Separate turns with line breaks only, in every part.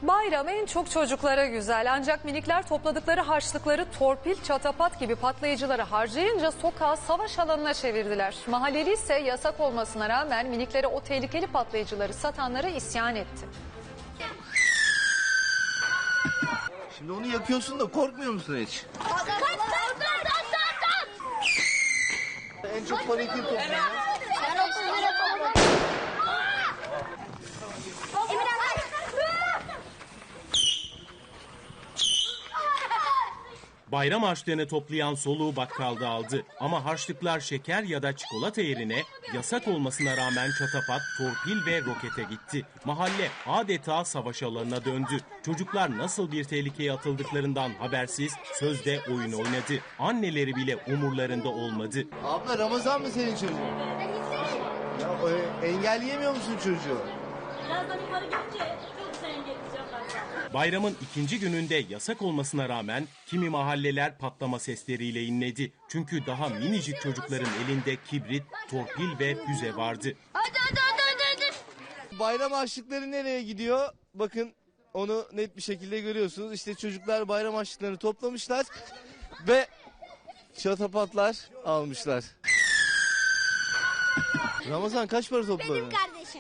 Bayram en çok çocuklara güzel, ancak minikler topladıkları harçlıkları torpil, çatapat gibi patlayıcıları harcayınca sokağı savaş alanına çevirdiler. Mahalleli ise yasak olmasına rağmen miniklere o tehlikeli patlayıcıları satanlara isyan etti.
Şimdi onu yakıyorsun da korkmuyor musun hiç? En çok parayı kim topluyor?
Bayram harçlığını toplayan soluğu bakkalda aldı. Ama harçlıklar şeker ya da çikolata yerine yasak olmasına rağmen çatapat, torpil ve rokete gitti. Mahalle adeta savaş alanına döndü. Çocuklar nasıl bir tehlikeye atıldıklarından habersiz sözde oyun oynadı. Anneleri bile umurlarında olmadı.
Abla Ramazan mı senin çocuğun? Ya engelleyemiyor musun çocuğu?
Birazdan yukarı gidince çok güzel engelleyeceğim ben.
Bayramın ikinci gününde yasak olmasına rağmen kimi mahalleler patlama sesleriyle inledi. Çünkü daha minicik çocukların elinde kibrit, torpil ve füze vardı.
Hadi.
Bayram harçlıkları nereye gidiyor? Bakın onu net bir şekilde görüyorsunuz. İşte çocuklar bayram harçlıklarını toplamışlar ve çatapatlar almışlar. Ramazan kaç para topladın?
Benim kardeşim.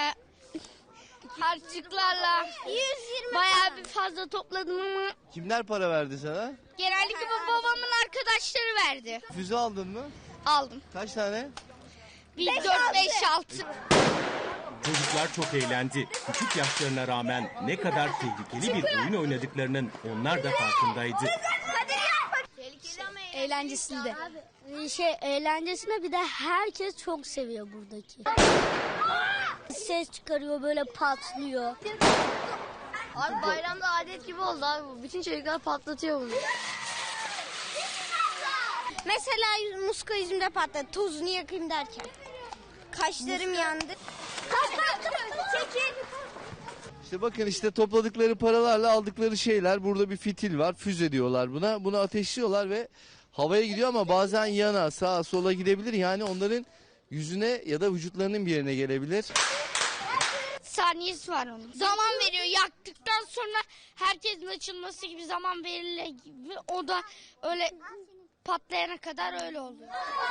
Harçlıklarla 120 bayağı bir fazla topladım ama
Kimler para verdi sana?
genellikle babamın arkadaşları verdi.
Füze aldın mı?
Aldım.
Kaç tane?
Bir 4 5 6.
Çocuklar çok eğlendi. Küçük yaşlarına rağmen ne kadar tehlikeli bir oyun oynadıklarının onlar da farkındaydı.
Eğlencesinde. Eğlencesinde bir de herkes çok seviyor buradaki. Ses çıkarıyor, böyle patlıyor.
Abi bayramda adet gibi oldu abi. Bütün çocuklar patlatıyor bunu. Mesela muska yüzümde patladı. Tozunu yakayım derken. Kaşlarım yandı. Çekil.
İşte bakın işte topladıkları paralarla aldıkları şeyler. Burada bir fitil var. Füze diyorlar buna. Bunu ateşliyorlar ve havaya gidiyor ama bazen yana, sağa, sola gidebilir. Yani onların yüzüne ya da vücutlarının bir yerine gelebilir.
Saniyesi var onun. Zaman veriyor. Yaktıktan sonra herkesin açılması gibi zaman verilir gibi. O da öyle patlayana kadar öyle oluyor.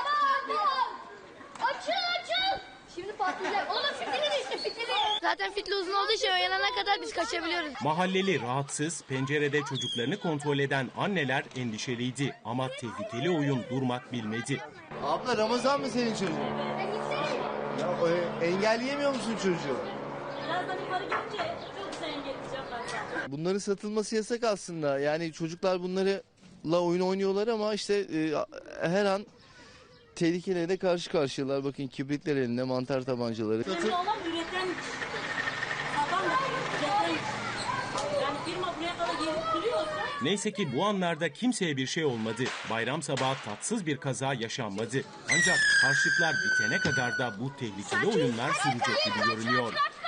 Açıl. Şimdi patlayacak. Oğlum fitili düştü fitili. Zaten fitili uzun olduğu için oyanana kadar biz kaçabiliyoruz.
Mahalleli rahatsız, pencerede çocuklarını kontrol eden anneler endişeliydi. Ama tehlikeli oyun durmak bilmedi.
Abla Ramazan mı senin çocuğun? Ya engelleyemiyor musun çocuğu?
Birazdan yukarı gidince çok güzel engelleyeceğim ben.
Bunların satılması yasak aslında. Yani çocuklar bunlarla oyun oynuyorlar ama işte her an tehlikelere karşı karşıyalar. Bakın kibritler elinde, mantar tabancaları.
Önemli olan üreten, satan da üreten. Yani firma buraya kadar gelip duruyorsa...
Neyse ki bu anlarda kimseye bir şey olmadı. Bayram sabahı tatsız bir kaza yaşanmadı. Ancak harçlıklar bitene kadar da bu tehlikeli oyunlar sürecek gibi görünüyor.